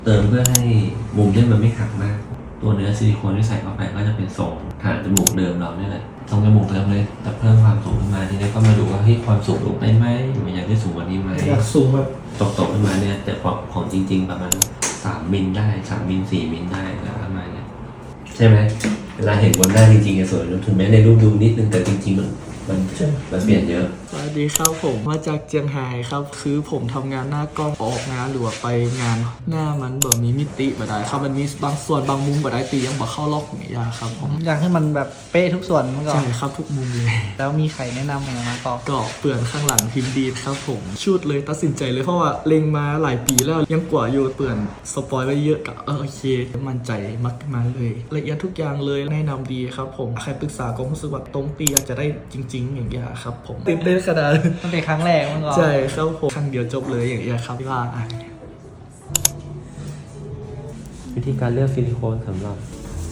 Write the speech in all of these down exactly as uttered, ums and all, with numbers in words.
เติมเพื่อให้มุมเนี่ยมันไม่หักมากตัวเนื้อซิลิโคนที่ใส่เข้าไปก็จะเป็นทรงฐานจมูกเดิมเราเนี่ยแหละทรงจมูกเดิมเลยแต่เพิ่มความสูงขึ้นมาทีนี้ก็มาดูว่าเฮ้ยความสูงลงได้ไหมหรืออยากได้สูงกว่านี้ไหมอยากสูงแบบตกๆขึ้นมาเนี่ยแต่ของจริง ๆ ประมาณสามมิลได้สามมิลสี่มิลได้แล้วประมาณนี้ใช่ไหมเวลาเห็นบนหน้าจริงๆสวยถึงแม้ในรูปดูนิดนึงแต่จริงๆมันมันมันเปลี่ยนเยอะสวัสดีครับผมมาจากเจียงไฮ้ครับคือผมทำงานหน้ากล้องออกงานหรือว่าไปงานหน้ามันแบบมีมิติบ่ได้ครับมันมีบางส่วนบางมุมบ่ได้ตียังบ่เข้าล็อกอย่างเงี้ยครับผมอยากให้มันแบบเป๊ะทุกส่วนมันก็ใช่ครับทุกมุมเลยแล้วมีใครแนะนำอะไรมาต่อก็เปลือนข้างหลังพิมพ์ดีครับผมชุดเลยตัดสินใจเลยเพราะว่าเล็งมาหลายปีแล้วยังกว่าอยู่เปลือนสปอยไว้เยอะกับเออโอเคมั่นใจมักมาเลยละเอียดทุกอย่างเลยแนะนำดีครับผมใครปรึกษาก็รู้สึกว่าตรงตีอยากจะได้จริงๆอย่างเงี้ยครับผมตื่นเต้นขนาดมันเป็นครั้งแรกมันก็ใช่ครับผมครั้งเดียวจบเลยอย่างเงี้ยครับว่าวิธีการเลือกซิลิโคนสำหรับ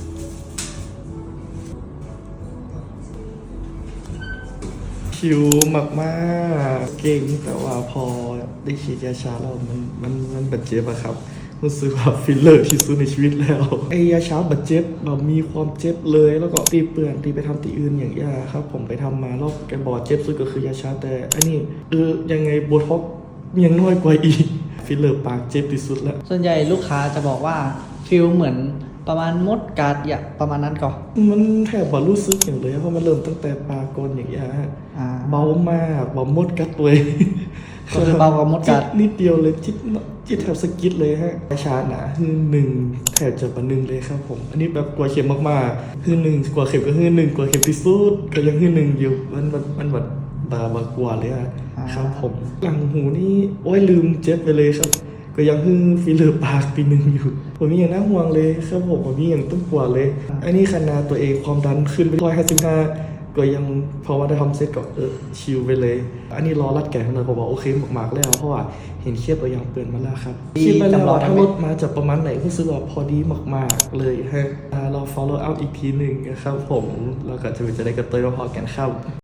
คิวมากมากเก่งแต่ว่าพอได้ฉีดยาชาแล้วมันมันมันบาดเจ็บอะครับรู้สึกว่าฟิลเลอร์ที่สุดในชีวิตแล้วไอ้ยาชาบาดเจ็บแบบมีความเจ็บเลยแล้วก็ตีเปื่อนตีไปทำตีอื่นอย่างเงี้ยครับผมไปทำมาแล้วแกบอกเจ็บสุดก็คือยาชาแต่อันนี้เออยังไงโบท็อกยังน้อยกว่าอีกฟิลเลอร์ปากเจ็บที่สุดแล้วส่วนใหญ่ลูกค้าจะบอกว่าฟิลเหมือนประมาณมดกัดอย่างประมาณนั้นก่อนมันแทบบ่รู้สึกอย่างเลยเพราะมันเริ่มตั้งแต่ปากก่อนอย่างเงี้ยฮะเบามากเบามดกัดตัวก็คือเบากว่ามดกัดนิดเดียวเลยจิตจิตแถบสกิดเลยฮะชาหนาคือหนึ่งแถบจะประหนึ่งเลยครับผมอันนี้แบบกลัวเข็มมากๆคือหนึ่งกลัวเข็มก็คือหนึ่งกลัวเข็มที่สุดก็ยังคือหนึ่งอยู่มันมันมันแบบบาบากลัวเลยอะครับผมหลังหูนี่โอ้ยลืมเจ็บไปเลยครับก็ยังคือฟิลเลอร์ปากปีหนึ่งอยู่ผมมีอย่างน่าห่วงเลยครับผมผมมีอย่างต้องกลัวเลยอันนี้ขนาดตัวเองความดันขึ้นไปร้อยห้าสิบห้าก็ยังเพราะว่าได้ทำเซตก็เออชิลไปเลยอันนี้รอรัดแก่ขนาดผมบอกโอเคมากๆแล้วเพราะว่าเห็นเครียดตัวอย่างเปลี่ยนมาแล้วครับคิดไปแล้วถ้ารถมาจากประมาณไหนรู้สึกว่าพอดีมากๆเลยฮะเรา follow up อีกทีหนึ่งนะครับผมแล้วก็จะไปจะได้กระตุ้นมาพอกันครับ